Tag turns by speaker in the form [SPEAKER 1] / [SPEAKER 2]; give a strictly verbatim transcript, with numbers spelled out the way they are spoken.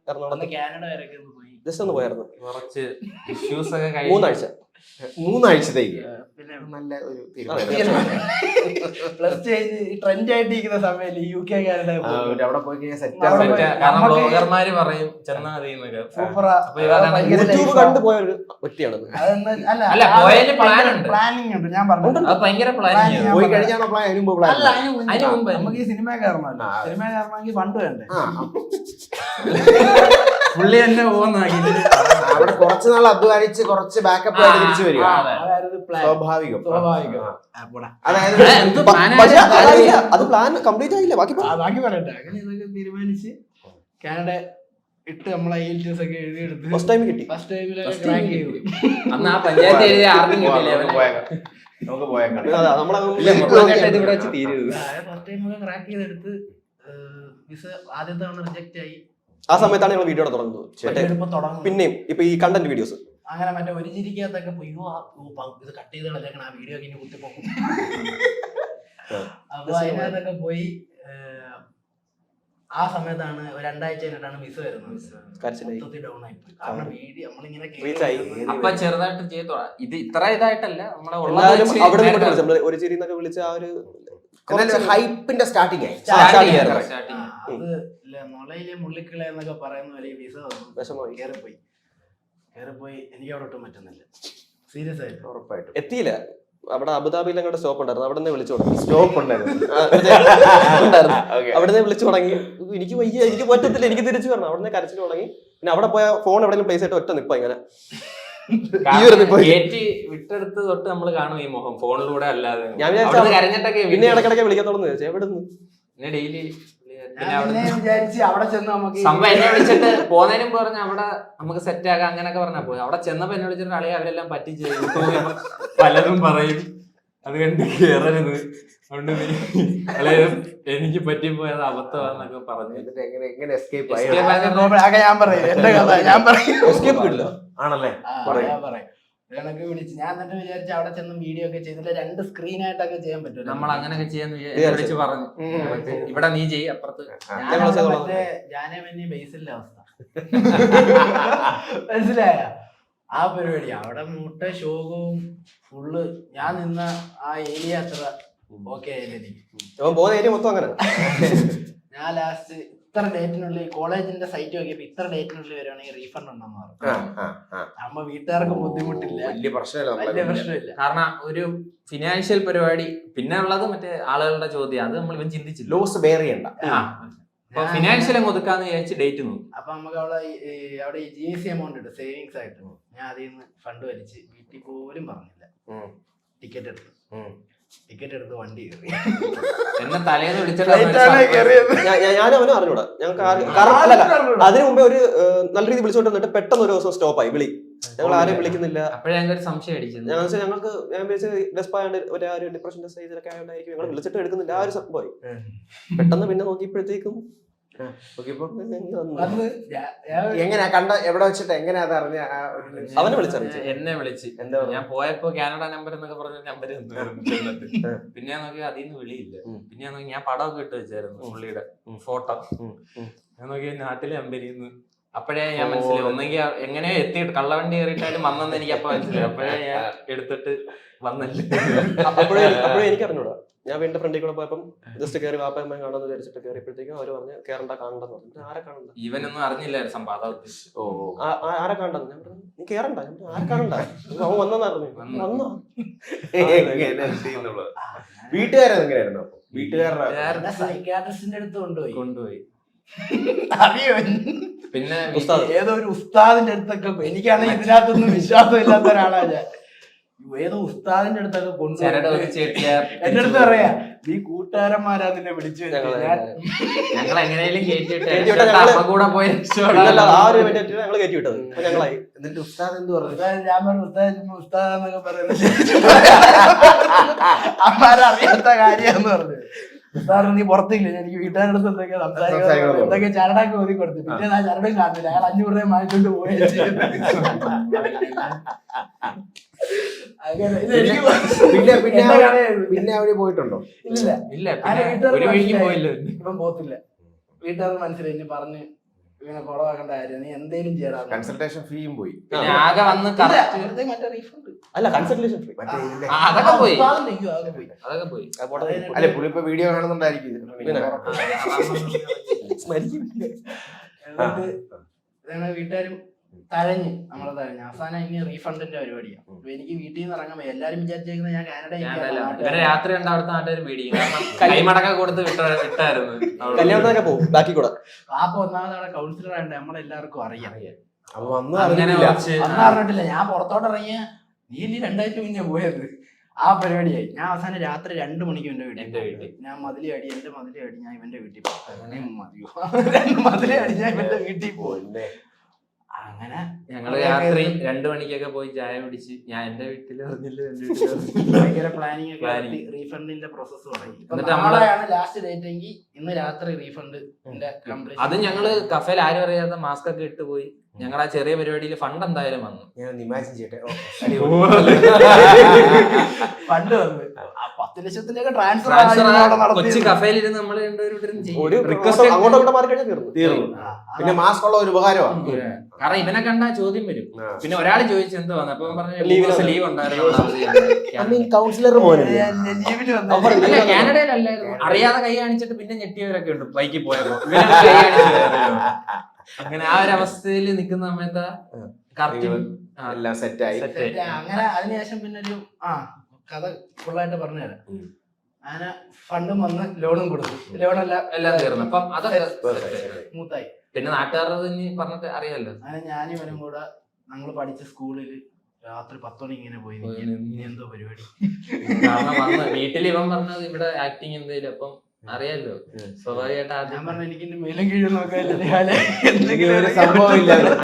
[SPEAKER 1] എറണാകുളത്ത്
[SPEAKER 2] കാനഡ വരെയൊക്കെ പോയി.
[SPEAKER 1] ജസ്റ്റ് ഒന്ന് പോയായിരുന്നു.
[SPEAKER 3] കുറച്ച് ഇഷ്യൂസ് ഒക്കെ
[SPEAKER 1] മൂന്നാഴ്ച
[SPEAKER 4] മൂന്നാഴ്ചത്തേക്ക്
[SPEAKER 2] പിന്നെ
[SPEAKER 4] നല്ല ഒരു
[SPEAKER 2] പ്ലസ് ടു കഴിഞ്ഞ് ട്രെൻഡ് ആയിട്ടിരിക്കുന്ന സമയത്ത് യു കെ കാനഡ
[SPEAKER 4] അവിടെ പോയി കഴിഞ്ഞാൽ സെറ്റ്
[SPEAKER 3] കാരണം ബ്ലോഗർമാര് പറയും ചെന്നാ മതി എന്നൊക്കെ.
[SPEAKER 2] സൂപ്പറാ.
[SPEAKER 1] യൂട്യൂബ് കണ്ടു പോയ ഒരു വ്യക്തിയാണ്.
[SPEAKER 3] അല്ല പോയതിന് പ്ലാൻ ഉണ്ട്,
[SPEAKER 2] പ്ലാനിങ് ഉണ്ട്. ഞാൻ പറഞ്ഞു
[SPEAKER 3] അത് ഭയങ്കര പ്ലാനിങ്.
[SPEAKER 4] പോയി കഴിഞ്ഞാണോ പ്ലാൻ? അതിന് മുമ്പ് പ്ലാൻ
[SPEAKER 2] അല്ല, അതിന് മുമ്പ് നമുക്ക് ഈ സിനിമ കയറണമല്ലോ. സിനിമ കയറണമെങ്കിൽ ഫണ്ട് വേണ്ടേ?
[SPEAKER 3] പുള്ളി തന്നെ പോകുന്ന
[SPEAKER 4] അവിടെ കുറച്ച് നാൾ അധ്വാനിച്ച് കുറച്ച് ബാക്കപ്പ് ആയിട്ട് തിരിച്ചു വരിക. സ്വാഭാവികം
[SPEAKER 2] സ്വാഭാവികം.
[SPEAKER 4] അതായത്
[SPEAKER 1] അത് പ്ലാൻ കംപ്ലീറ്റ് ആയില്ല. ബാക്കി
[SPEAKER 2] ബാക്കി പറയട്ടെ. അങ്ങനെ ഇതൊക്കെ തീരുമാനിച്ച് കാനഡ ഇട്ട് നമ്മളെ ഐഎൽടിഎസ് ഒക്കെ എഴുതിയെടുത്ത്
[SPEAKER 1] ഫസ്റ്റ് ടൈം കിട്ടി.
[SPEAKER 2] ഫസ്റ്റ് ടൈമിലൊക്കെ ക്രാക്ക് ചെയ്തു.
[SPEAKER 3] അന്ന് ആ പഞ്ചായത്ത് എഴുതിയ ആർക്കും കിട്ടില്ല.
[SPEAKER 4] നമുക്ക് പോയേക്കാം.
[SPEAKER 2] ഫസ്റ്റ് ടൈമൊക്കെ ക്രാക്ക് ചെയ്തെടുത്ത് വിസ ആദ്യത്തെ തവണ റിജക്റ്റ് ആയി.
[SPEAKER 1] ആ സമയത്താണ് ഞങ്ങൾ വീഡിയോ തുടങ്ങുന്നത്. പിന്നെയും ഇപ്പൊ ഈ കണ്ടന്റ് വീഡിയോസ്
[SPEAKER 2] അങ്ങനെ മറ്റേ ഒരു ചിരിക്കകത്തൊക്കെ ഇത് കട്ട് ചെയ്ത് കളഞ്ഞേക്കണം, ആ വീഡിയോ ഒക്കെ ഇനി കുത്തിപ്പോക്കും. അപ്പൊ അതിനകത്തൊക്കെ പോയി. ആ സമയത്താണ് രണ്ടാഴ്ച കഴിഞ്ഞിട്ടാണ് വിസ വരുന്നത്. ഡൗൺ ആയി പോയി. കാരണം വീഡിയോ നമ്മളിങ്ങനെ
[SPEAKER 3] അപ്പൊ ചെറുതായിട്ട് ചെയ്തോ. ഇത് ഇത്ര ഇതായിട്ടല്ല നമ്മളെ
[SPEAKER 1] ഒരു ചിരി എന്നൊക്കെ വിളിച്ച ആ ഒരു
[SPEAKER 4] ഹൈപ്പിന്റെ സ്റ്റാർട്ടിങ് ആയി.
[SPEAKER 2] അത് മുളയിലെ മുള്ളിക്കിള എന്നൊക്കെ പറയുന്ന പോലെ വിസ വിഷമമായി. കയറിപ്പോയി കയറിപ്പോയി എനിക്ക് അവിടെ ഒട്ടും പറ്റുന്നില്ല. സീരിയസ് ആയിട്ട്
[SPEAKER 4] ഉറപ്പായിട്ടും
[SPEAKER 1] എത്തിയില്ല. അവിടെ അബുദാബിയിൽ അങ്ങോട്ട് സ്റ്റോപ്പ് ഉണ്ടായിരുന്നു. അവിടെ നിന്ന് വിളിച്ചു തുടങ്ങി.
[SPEAKER 4] സ്റ്റോപ്പ് ഉണ്ടായിരുന്നു.
[SPEAKER 1] അവിടെ നിന്ന് വിളിച്ചു തുടങ്ങി. എനിക്ക് വയ്യ, എനിക്ക് പറ്റത്തില്ല, എനിക്ക് തിരിച്ചു വരണം. അവിടെ നിന്ന് കരച്ചിൽ തുടങ്ങി. പിന്നെ അവിടെ പോയ ഫോൺ എവിടെയെങ്കിലും പ്ലേസ് ആയിട്ട് ഒറ്റ നിപ്പ ഇങ്ങനെ
[SPEAKER 3] വിട്ടെടുത്ത് തൊട്ട് നമ്മള് കാണും ഈ മുഖം ഫോണിലൂടെ അല്ലാതെ.
[SPEAKER 1] ഞാൻ വിചാരിച്ചൊക്കെ പിന്നെ ഇടക്കിടക്ക് വിളിക്കത്തോളന്ന് ചോദിച്ചാൽ എവിടെ നിന്ന്
[SPEAKER 3] ഡെയിലി
[SPEAKER 2] അവിടെ ചെന്ന് നമുക്ക്
[SPEAKER 3] സംഭവം എന്നെ വിളിച്ചിട്ട് പോകുന്നതിനും പറഞ്ഞ അവിടെ നമുക്ക് സെറ്റ് ആക്കാം അങ്ങനെയൊക്കെ പറഞ്ഞാ പോയി. അവിടെ ചെന്നപ്പോ എന്നെ വിളിച്ചിട്ട് അളിയെ അവരെല്ലാം പറ്റിച്ച് പലതും പറയും. അത് കണ്ട് കേറരുത്, അതുകൊണ്ട് അളിയ എനിക്ക് പറ്റിപ്പോയത് അബദ്ധമാന്നൊക്കെ പറഞ്ഞു.
[SPEAKER 4] എങ്ങനെ എസ്കേപ്പ് ആയി?
[SPEAKER 2] ഞാൻ പറയും എന്റെ കഥ. ഞാൻ പറയും
[SPEAKER 1] എസ്കേപ്പ് ഇല്ല
[SPEAKER 4] ആണല്ലേ?
[SPEAKER 2] ഞാൻ പറയും കണക്ക് വിളിച്ച് ഞാൻ എന്നിട്ട് വിചാരിച്ചു അവിടെ ചെന്ന് വീഡിയോ ഒക്കെ ചെയ്തിട്ട് രണ്ട് സ്ക്രീൻ ആയിട്ടൊക്കെ ചെയ്യാൻ പറ്റും.
[SPEAKER 3] നമ്മൾ അങ്ങനെയൊക്കെ ചെയ്യാന്ന് വിളിച്ച് പറഞ്ഞു. ഇവിടെ നീ ചെയ്യ അപ്പുറത്ത്.
[SPEAKER 2] മറ്റേ ജാനമന്യ ബേസിലെ അവസ്ഥ മനസ്സിലായ ആ പരിപാടി. അവിടെ മുട്ട ശോകവും ഫുള്ള്. ഞാൻ നിന്ന ആ ഏരിയ അത്ര ഓക്കെ ആയില്ല എനിക്ക്.
[SPEAKER 1] പോകുന്ന ഏരിയ മൊത്തം അങ്ങനെ.
[SPEAKER 2] ഞാൻ ലാസ്റ്റ് ഇത്ര ഡേറ്റിനുള്ളിൽ കോളേജിന്റെ സൈറ്റ് നോക്കിയപ്പോ ഇത്ര ഡേറ്റിനുള്ളിൽ വരുവാണെങ്കിൽ റീഫണ്ട് ഉണ്ടെന്ന് പറഞ്ഞു. നമ്മ വീട്ടുകാർക്ക് ബുദ്ധിമുട്ടില്ല,
[SPEAKER 4] വലിയ പ്രശ്നമില്ല,
[SPEAKER 2] വലിയ പ്രശ്നമില്ല.
[SPEAKER 3] കാരണം ഒരു ഫിനാൻഷ്യൽ പരിപാടി. പിന്നെ ഉള്ളത് മറ്റേ ആളുകളുടെ ചോദ്യം, അത് നമ്മൾ ഇവൻ ചിന്തിച്ചില്ല.
[SPEAKER 4] ലോസ് ബെയർ ചെയ്യണ്ട.
[SPEAKER 3] ഫിനാൻഷ്യൽ അങ്ങ് ഒതുക്കാന്ന് വിചാരിച്ച് ഡേറ്റ് നോക്കും.
[SPEAKER 2] അപ്പൊ നമുക്ക് അവിടെ അവിടെ ഈ ജി എസ് സി എമൗണ്ട് ഉണ്ട് സേവിങ്സ് ആയിട്ട്. ഞാൻ അതിൽ നിന്ന് ഫണ്ട് വലിച്ച് വീട്ടിൽ പോലും പറഞ്ഞില്ല. ടിക്കറ്റ് എടുത്തു ടിക്കറ്റ് എടുത്ത് വണ്ടി കയറി.
[SPEAKER 3] എന്നെ തലേന്ന് വിളിച്ചിട്ട്
[SPEAKER 1] ഞാനും അവനും അറിഞ്ഞൂടാ. ഞങ്ങൾക്ക് അതിനു മുമ്പേ ഒരു നല്ല രീതി വിളിച്ചോണ്ട് വന്നിട്ട് പെട്ടെന്ന് ഒരു ദിവസം സ്റ്റോപ്പായി വിളി. ഞങ്ങൾ ആരെയും വിളിക്കുന്നില്ല.
[SPEAKER 3] അപ്പോഴേ ഞങ്ങൾക്ക് ഒരു സംശയം അടിച്ചത്.
[SPEAKER 1] ഞങ്ങൾക്ക് ഞങ്ങൾക്ക് ഞാൻ വിചാരിച്ചത് ഡെസ്പായോണ്ട് ഒരു ഡിപ്രഷന്റെ സ്റ്റേജിലൊക്കെ ആയതുകൊണ്ടായിരിക്കും ഞങ്ങൾ വിളിച്ചിട്ട് എടുക്കുന്നില്ല. ആ ഒരു സംഭവമായി. പെട്ടെന്ന് പിന്നെ നോക്കിയപ്പോഴത്തേക്കും
[SPEAKER 4] എങ്ങനെയാ കണ്ട എവിടെ വെച്ചിട്ട് എങ്ങനെയാ അത് അറിഞ്ഞ?
[SPEAKER 1] അവനെ വിളിച്ചറിയിച്ചു.
[SPEAKER 3] എന്നെ വിളിച്ച് എന്താ ഞാൻ പോയപ്പോ കാനഡ നമ്പർ എന്നൊക്കെ പറഞ്ഞ നമ്പർ പിന്നെ ഞാൻ നോക്കി അതിൽ നിന്ന് വിളിയില്ല. പിന്നെ ഞാൻ നോക്കി ഞാൻ പടമൊക്കെ ഇട്ട് വെച്ചായിരുന്നു പുള്ളിയുടെ ഫോട്ടോ. ഞാൻ നോക്കി നാട്ടിലെ അമ്പരിന്ന്. അപ്പോഴേ ഞാൻ മനസ്സിലായി ഒന്നെങ്കിൽ എങ്ങനെയോ എത്തിയിട്ട് കള്ളവണ്ടി കയറിയിട്ടാലും വന്നെന്ന് എനിക്ക് അപ്പൊ മനസ്സിലായി. അപ്പോഴേ ഞാൻ എടുത്തിട്ട് വന്നില്ല.
[SPEAKER 1] അപ്പോഴേ അപ്പോഴേ എനിക്ക് അറിഞ്ഞൂടാ. ഞാൻ വീണ്ടും ഫ്രണ്ടിൽ കൂടെ പോയപ്പം ജസ്റ്റ് കയറി വാപ്പയമ്മ കാണാന്ന് വിചാരിച്ചിട്ട് കയറിയപ്പോഴത്തേക്കും അവര് പറഞ്ഞ് കയറണ്ട കാണണ്ടെന്ന് പറഞ്ഞു. ആരെ കാണണ്ട?
[SPEAKER 3] ഇവനൊന്നും അറിഞ്ഞില്ല സംഭവം.
[SPEAKER 1] ഓ ആരെ കാണണ്ടെന്ന് ഞാൻ പറഞ്ഞു. നീ കയറണ്ട, ആരെ കാണണ്ട, അവൻ വന്നെന്ന് പറഞ്ഞു. വന്നോ?
[SPEAKER 4] വീട്ടുകാരെങ്ങനെയായിരുന്നു? വീട്ടുകാരുടെ
[SPEAKER 2] സൈക്യാട്രിസ്റ്റിന്റെ അടുത്ത് കൊണ്ടുപോയി
[SPEAKER 3] കൊണ്ടുപോയി
[SPEAKER 2] അറിയോ?
[SPEAKER 3] പിന്നെ
[SPEAKER 2] ഏതോ ഒരു ഉസ്താദിന്റെ അടുത്തൊക്കെ. എനിക്കാണെങ്കിൽ ഇതിനകത്തൊന്നും വിശ്വാസം ഇല്ലാത്ത ഒരാളാ ഞാൻ. ഏതോ ഉസ്താദിന്റെ അടുത്തൊക്കെ കൊണ്ടുപോയി എന്റെ അടുത്ത് പറയാ നീ കൂട്ടുകാരന്മാരാ നിന്നെ വിളിച്ചു.
[SPEAKER 3] ഞങ്ങൾ എങ്ങനെയും
[SPEAKER 1] ഞങ്ങളായി.
[SPEAKER 4] എന്നിട്ട് ഉസ്താദ് എന്ത് പറഞ്ഞു?
[SPEAKER 2] ഞാൻ പറഞ്ഞു ഉസ്താദ് ഉസ്താദെന്നൊക്കെ പറയുന്നത് അമ്മാരറിയാത്ത കാര്യാന്ന് പറഞ്ഞു. ഉസ്താദ് നീ പുറത്തില്ല, എനിക്ക് വീട്ടുകാരുടെ അടുത്ത് എന്തൊക്കെ സംസാരിക്കണം എന്തൊക്കെ ചരടൊക്കെ ഒതുക്കി കൊടുത്തു. പിന്നെ ഞാൻ ചരടും കാണുന്നില്ല. അയാൾ അഞ്ഞൂറ് രൂപ വാങ്ങിച്ചോണ്ട് പോയി.
[SPEAKER 4] പിന്നെ അവര് പോയിട്ടുണ്ടോ?
[SPEAKER 2] ഇല്ല
[SPEAKER 3] ഇല്ല, ഒരു വഴിക്ക് പോയില്ല.
[SPEAKER 2] ഇപ്പം പോത്തില്ല. വീട്ടുകാർക്ക് മനസ്സിലായി. ഇനി പറഞ്ഞ് ഇങ്ങനെ കുളവാക്കണ്ടായിരുന്നു, നീ എന്തേലും ചെയ്യടാ.
[SPEAKER 4] കൺസൾട്ടേഷൻ ഫീയും പോയി.
[SPEAKER 3] പിന്നെ ആകെ വന്ന്
[SPEAKER 2] ഇല്ല,
[SPEAKER 3] കറക്റ്റ്
[SPEAKER 2] വെറുതെ മറ്റേ റീഫണ്ട്
[SPEAKER 1] അല്ല കൺസൾട്ടേഷൻ ഫ്രീ.
[SPEAKER 4] മറ്റേ ഇതിന്റെ
[SPEAKER 3] അതൊക്കെ പോയി
[SPEAKER 2] അതൊക്കെ പോയി.
[SPEAKER 3] അതൊക്കെ പോയി
[SPEAKER 4] അല്ലെ പുള്ളി ഇപ്പൊ വീഡിയോ കാണുന്നുണ്ടായിരിക്കും ഇത്.
[SPEAKER 1] പിന്നെ.
[SPEAKER 2] എന്നിട്ട് ഇതാണ് വീട്ടുകാരും തഴഞ്ഞ് നമ്മളെ തഴഞ്ഞ് അവസാനം ഇനി റീഫണ്ടിന്റെ പരിപാടിയാണ്. അപ്പൊ എനിക്ക് വീട്ടിൽ നിന്ന് ഇറങ്ങാൻ വയ്യ. എല്ലാരും വിചാരിച്ചേക്കുന്നത് ഞാൻ കാനഡ
[SPEAKER 3] ഇവരെ രാത്രി കണ്ട അവിടുത്തെ നാട്ടുകാർ പേടിക്കും. കാരണം കൈമടക്ക കൊടുത്ത് വിട്ട വിട്ടായിരുന്നു
[SPEAKER 1] കല്യാണത്തിനൊക്കെ പോകും ബാക്കി കൂടെ.
[SPEAKER 2] പാപ്പ ഒന്നാമത് അവിടെ കൗൺസിലർ ആയിട്ട് നമ്മളെല്ലാവർക്കും അറിയാം.
[SPEAKER 4] അപ്പൊ വന്നു
[SPEAKER 3] അങ്ങനെ
[SPEAKER 4] അറിഞ്ഞില്ല.
[SPEAKER 3] കുറച്ച്
[SPEAKER 2] അന്ന് അറിഞ്ഞിട്ടില്ല. ഞാൻ പുറത്തോട്ട് ഇറങ്ങിയ നീ ഇനി രണ്ടാഴ്ച മുന്നേ പോയത് ആ പരിപാടിയായി. ഞാൻ അവസാനം രാത്രി രണ്ടു മണിക്ക് എന്റെ വീട്ടിൽ
[SPEAKER 3] എന്റെ വീട്ടിൽ
[SPEAKER 2] ഞാൻ മതിലി അടി എന്റെ മതിലി അടി ഞാൻ ഇവന്റെ വീട്ടിൽ പോകും. മതിയോ രണ്ട് മതിലി അടി ഞാൻ ഇവന്റെ വീട്ടിൽ പോകും. അങ്ങനെ
[SPEAKER 3] ഞങ്ങള് രാത്രി രണ്ടു മണിക്കൊക്കെ പോയി ചായ പിടിച്ച് ഞാൻ എന്റെ വീട്ടിൽ അറിഞ്ഞില്ല എന്റെ വീട്ടിൽ
[SPEAKER 2] ഭയങ്കര പ്ലാനിങ് ഒക്കെ
[SPEAKER 3] Planning.
[SPEAKER 2] നടത്തി റീഫണ്ടിന്റെ പ്രോസസ് തുടങ്ങി. ഇപ്പൊ
[SPEAKER 3] എന്നിട്ട് നമ്മള്
[SPEAKER 2] നാളെയാണ് ലാസ്റ്റ് ഡേറ്റ് എങ്കിൽ ഇന്ന് രാത്രി റീഫണ്ടിന്റെ കംപ്ലീറ്റ്.
[SPEAKER 3] അത് ഞങ്ങള് കഫേൽ ആരും അറിയാതെ മാസ്ക് ഒക്കെ ഇട്ട് പോയി. ഞങ്ങളുടെ ആ ചെറിയ പരിപാടിയിൽ ഫണ്ട് എന്തായാലും വന്നു.
[SPEAKER 4] ഞാൻ ഇമാജിൻ ചെയ്യട്ടെ. ഓ,
[SPEAKER 2] ഫണ്ട് വന്ന് ആ പത്ത് ലക്ഷത്തിലേക്ക് ട്രാൻസ്ഫർ
[SPEAKER 3] ട്രാൻസ്ഫർ കൊച്ചി കഫേലിരുന്ന് നമ്മള് രണ്ടുപേരും
[SPEAKER 1] ഒരു റിക്വസ്റ്റ് അങ്ങോട്ടും അങ്ങോട്ടും മാറി കഴിഞ്ഞാൽ തീർന്നു.
[SPEAKER 4] തീർന്നു. പിന്നെ മാസ്ക് ഉള്ള ഒരു ഉപകാരമാണ്.
[SPEAKER 3] കാരണം ഇവനെ കണ്ടാ ചോദ്യം വരും.
[SPEAKER 4] ആ.
[SPEAKER 3] പിന്നെ ഒരാൾ ചോദിച്ചു എന്താ വന്നത്, അപ്പൊ പറഞ്ഞു
[SPEAKER 1] Leave
[SPEAKER 3] ലീവ്
[SPEAKER 1] ആണ്.
[SPEAKER 3] ലീവ് ഉണ്ടായിരുന്നു.
[SPEAKER 4] കൗൺസിലർ മോനല്ലേ?
[SPEAKER 2] ലീവിന്
[SPEAKER 1] അവർ
[SPEAKER 3] അല്ല, കാനഡയിലല്ലായിരുന്നു. അറിയാതെ കൈ കാണിച്ചിട്ട് പിന്നെ ഞെട്ടിയവരൊക്കെ ഉണ്ട് ബൈക്കിൽ പോയപ്പോ. ഇവനെ കൈ കാണിച്ചില്ലായിരുന്നു. അങ്ങനെ ആ ഒരു അവസ്ഥയിൽ നിൽക്കുന്ന സമയത്ത് കറക്റ്റ്
[SPEAKER 4] എല്ലാം സെറ്റായി.
[SPEAKER 3] സെറ്റ്
[SPEAKER 2] അങ്ങനെ അതിനുശേഷം പിന്നെ ഒരു ആ കഥ ഫുള്ളായിട്ട് പറഞ്ഞുതരാം. അങ്ങനെ ഫണ്ടും വന്ന് ലോണും കൊടുത്തു. ലോണെല്ലാം
[SPEAKER 3] എല്ലാം തീർന്നു. അപ്പം അതൊക്കെ
[SPEAKER 2] സ്മൂത്തായി.
[SPEAKER 3] പിന്നെ നാട്ടുകാരുടെ ഇനി പറഞ്ഞിട്ട് അറിയാലോ.
[SPEAKER 2] അങ്ങനെ ഞാനും ഇവനും കൂടെ ഞങ്ങൾ പഠിച്ച സ്കൂളിൽ രാത്രി പത്ത് മണി ഇങ്ങനെ പോയി
[SPEAKER 3] പോയി
[SPEAKER 2] നിൽക്കും.
[SPEAKER 3] നിന്ന്.
[SPEAKER 2] ഇനി എന്തോ പരിപാടി.
[SPEAKER 3] കാരണം വന്ന് വീട്ടിൽ ഇവൻ പറഞ്ഞത് ഇവിടെ ആക്ടിങ് എന്തേലും അപ്പം അറിയാലോ. സ്വാഭാവികമായിട്ട്
[SPEAKER 2] ഞാൻ
[SPEAKER 3] ആദ്യം
[SPEAKER 2] പറഞ്ഞു എനിക്ക് മേലും കീഴും നോക്കാൻ
[SPEAKER 4] എന്തെങ്കിലും ഒരു സംഭവം ഇല്ല.